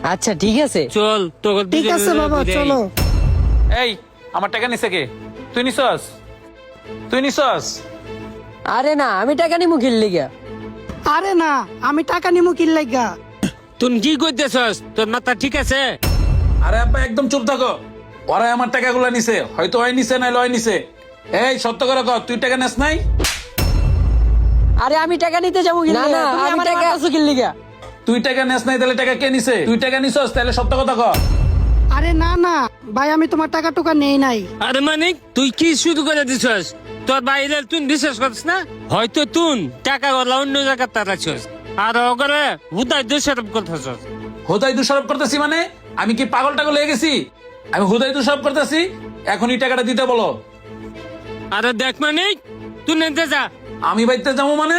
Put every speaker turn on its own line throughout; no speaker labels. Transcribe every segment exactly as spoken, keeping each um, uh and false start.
আচ্ছা ঠিক আছে,
চল তোকে
ঠিক আছে বাবা, চলো।
এই আমার টাকা নিছে কে? তুই নিছস? তুই নিছস?
আরে না আমি টাকা নিমু কিনলি গা।
আরে না, আমি টাকা নিমু কিল লাগা।
তুই কি করতেছস? তোর মাথা ঠিক আছে?
আরে আব্বা একদম চুপ থাকো। ওরা আমার টাকাগুলো নিছে, হয়তো ওই নিছে না লয় নিছে। এই সত্য করে কর, তুই টাকা নেস নাই?
আরে আমি টাকা নিতে যাবো না না আমি টাকা কিনলি গা।
তুই টাকা নেস নাই তাহলে টাকা কে নিছে? তুই টাকা নিছস তাহলে সত্য কথা কর।
আরে না না ভাই, আমি তোমার টাকা টুকা নেই নাই।
আরে মানিক, তুই কি শুরু করে দিছস? তোর বাইরে তুই বিশ্বাস করছিস না? হয়তো তুই টাকা গলা অন্য জায়গায় তাড়াচ্ছস, আর ওগরে হুদায় দোষারোপ করতেছস।
হুদাই দোষারোপ করতেছি মানে? আমি কি পাগল টাগল হয়ে গেছি? আমি হুদাই দোষারোপ করতেছি? এখনই টাকাটা দিতে বলো।
আরে দেখ মানিক, তুই নিতে যা।
আমি বাইতে যাবো মানে?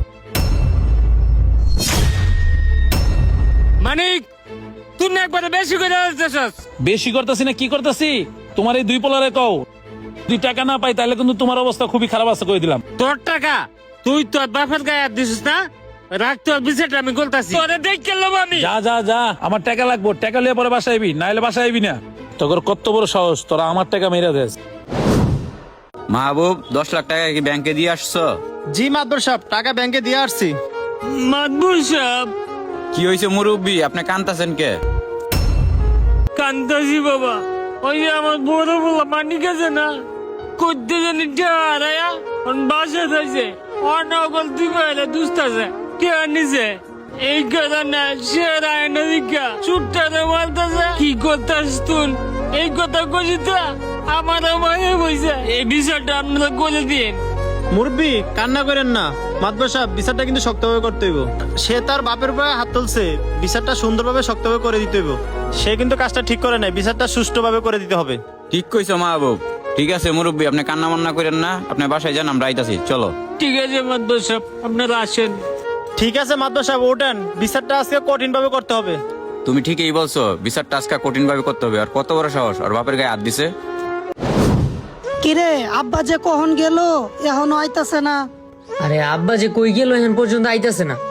মানিক, তুই না একবারে বেশি করে দিতেছস।
বেশি করতেছি না কি করতেছি? তোমার এই দুই পোলারে কও, দুই টাকা না পাই তাহলে কিন্তু তোমার অবস্থা খুবই খারাপ আছে কই দিলাম।
তোর টাকা তুই তোর বাপের গায়ে হাত দিছিস না? রাখ তোর বিষয়টা, আমি বলতাছি। তোরে দেখ কেলাম আমি।
যা যা যা, আমার টাকা লাগবো। টাকা লিয়ে পরে বাসায় আইবি, নাইলে বাসায় আইবি না। তোর কত বড় সাহস, তোরা আমার টাকা মেরে দেস।
মাহবুব, দশ লাখ টাকা কি ব্যাংকে দিয়ে আসছো?
জি মাদবর সাহেব, টাকা ব্যাংকে দিয়ে আসছি।
মাদবুর সাহেব,
কি হয়েছে মুরব্বী, আপনি কান্তাছেন কে?
কান্তাসি বাবা, ওই যে আমার বড় বলা মানিক আছে না, করতে জানি হারায়া বাসা থাকছে অনগল দুই বাইরে দুস্ত আছে কে নিছে এই কথা না, সে রায় না দিকা চুট্টারে বলতেছে কি করতেছ তুই এই কথা কইতে আমার মায়ে বইছে। এই বিষয়টা আপনারা বলে দিন।
মুরব্বি কান্না করেন না, মাদবর সাহেব বিচারটা কিন্তু শক্তভাবে করতে হইব। সে তার বাপের উপরে হাত তুলছে, বিচারটা সুন্দরভাবে শক্তভাবে করে দিতে হইব। সে কিন্তু কাজটা ঠিক করে নাই, বিচারটা সুষ্ঠুভাবে করে দিতে হবে।
ঠিক কইছো মাহবুব। ঠিক আছে মুরব্বী, আপনি কান্না মান্না করেন না, আপনি বাসায় যান, আমরা আইতাছি। চলো।
ঠিক আছে মাদবর সাহেব, আপনারা আসেন।
ঠিক আছে মাদবর সাহেব, ওঠেন। বিচারটা আজকে কঠিন ভাবে করতে হবে।
তুমি ঠিকই বলছো, বিচারটা আজকে কঠিন ভাবে করতে হবে। আর কত বড় সাহস, আর বাপের গায়ে হাত দিছে।
কিরে আব্বা যে কখন গেল, এখনো আইতাছে না?
আরে আব্বা যে কই গেল এখন পর্যন্ত আইতাছে না।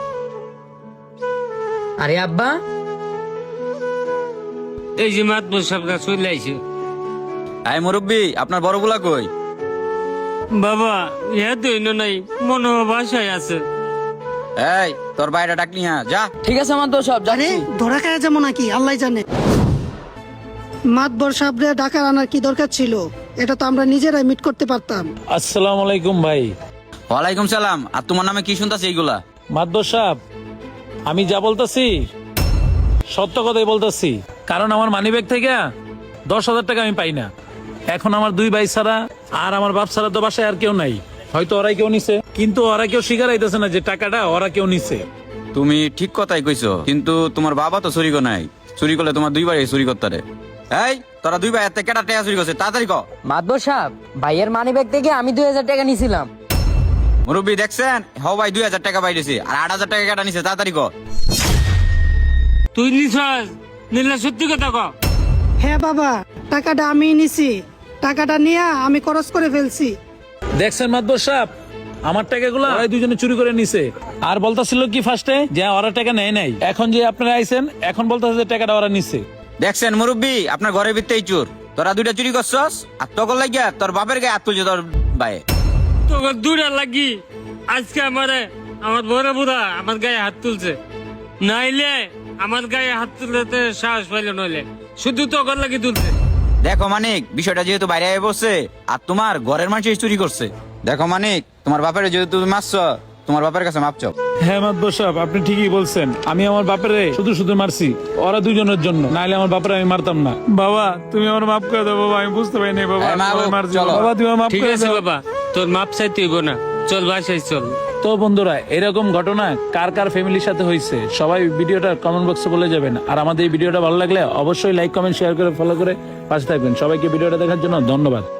আরে আব্বা,
এই যে মাদবর সাহেবরা চলে আইছে।
আই মুরব্বী, আপনার বড় বুলা কই?
বাবা ইহা তো ইনো নাই, মনে হয় বাসায় আছে।
এই তোর বাইরে ডাকলি, হ্যাঁ যা।
ঠিক আছে আমার দোষ সব
আরে ধরা খাওয়া যাবো নাকি আল্লাহ জানে। মাতবর সাহেবরে ডাকার আনার কি দরকার ছিল? এটা তো আমরা নিজেরাই মিট করতে পারতাম।
আসসালামু আলাইকুম ভাই।
ওয়ালাইকুম সালাম। আর তোমার নামে কি শুনতাছি এইগুলা?
মাদবর সাহেব, আমি যা বলতেছি সত্য কথাই বলতেছি। কারণ আমার মানিব্যাগ থেকে দশ হাজার টাকা আমি পাই না। এখন আমার দুই ভাই ছাড়া আর আমার বাপ ছাড়া তো বাসায় আর কেউ নাই। হয়তো ওরাই কেউ নিছে, কিন্তু ওরা কেউ স্বীকার হইতেছে না যে টাকাটা ওরা কেউ নিছে।
তুমি ঠিক কথাই কইছো, কিন্তু তোমার বাবা তো চুরি করে নাই। চুরি করলে তোমার দুই ভাই চুরি করতে রে। এই তোরা দুই ভাই এতে কেটা টাকা চুরি করছে, তাড়াতাড়ি ক।
মাদবর সাহেব, ভাইয়ের মানি ব্যাগ থেকে আমি দুই হাজার টাকা নিছিলাম।
মুরব্বী দেখছেন, হ ভাই দুই হাজার টাকা পাইছে, আর আট হাজার টাকা কেটা নিছে, তাড়াতাড়ি ক।
তুই নিছাস? নিলে সত্যি কথা ক।
হ্যাঁ বাবা, টাকাটা আমি নিছি। টাকাটা নিয়ে আমি খরচ করে ফেলছি।
দেখছেন মাদবর সাহেব, আমার টাকাগুলো ওরাই দুজনে চুরি করে নিছে। আর বলতাছিল কি ফার্স্টে যে ওরা টাকা নেয় নাই, এখন যে আপনারা আইছেন এখন বলতেছে যে টাকাটা ওরা নিছে।
দেখছেন মুরব্বী, আপনার ঘরের ভিতরেই চোর। তোরা দুইটা চুরি করছস, আর তখন লাগিয়া তোর বাপের গায়ে হাত তুলছে তোর ভাই।
তোকে দূরে লাগি আজকে আমারে আমার বড় বুড়া আমার গায়ে হাত তুলছে, নাইলে আমার গায়ে হাত তুলতে সাহস পাইল, নইলে শুধু তোকে লাগি তুলছে।
দেখো মানিক, বিষয়টা যেহেতু বাইরে আয় বসছে, আর তোমার ঘরের মানুষ চুরি করছে। দেখো মানিক, তোমার বাপের যেহেতু তুমি মারছ, তোমার বাপের কাছে মাপ চাও।
হ্যাঁ মাদবর সাহেব, আপনি ঠিকই বলছেন। আমি আমার বাপের শুধু শুধু মারছি ওরা দুজনের জন্য, নাইলে আমার বাপের আমি মারতাম না। বাবা তুমি আমার মাফ করে দাও বাবা, আমি বুঝতে পারিনি বাবা।
এই মা,
আমি মারছি।
চলো।
বাবা তুমি আমার মাফ
ঠিক
করে
আছে
দাও।
বাবা, তোর মাপ চাইতে হইব না, চল বাসায় চল।
তো বন্ধুরা, এরকম ঘটনা কার কার ফ্যামিলির সাথে হয়েছে সবাই ভিডিওটা কমেন্ট বক্সে বলে যাবেন। আর আমাদের এই ভিডিওটা ভালো লাগলে অবশ্যই লাইক কমেন্ট শেয়ার করে ফলো করে পাশে থাকবেন। সবাইকে ভিডিওটা দেখার জন্য ধন্যবাদ।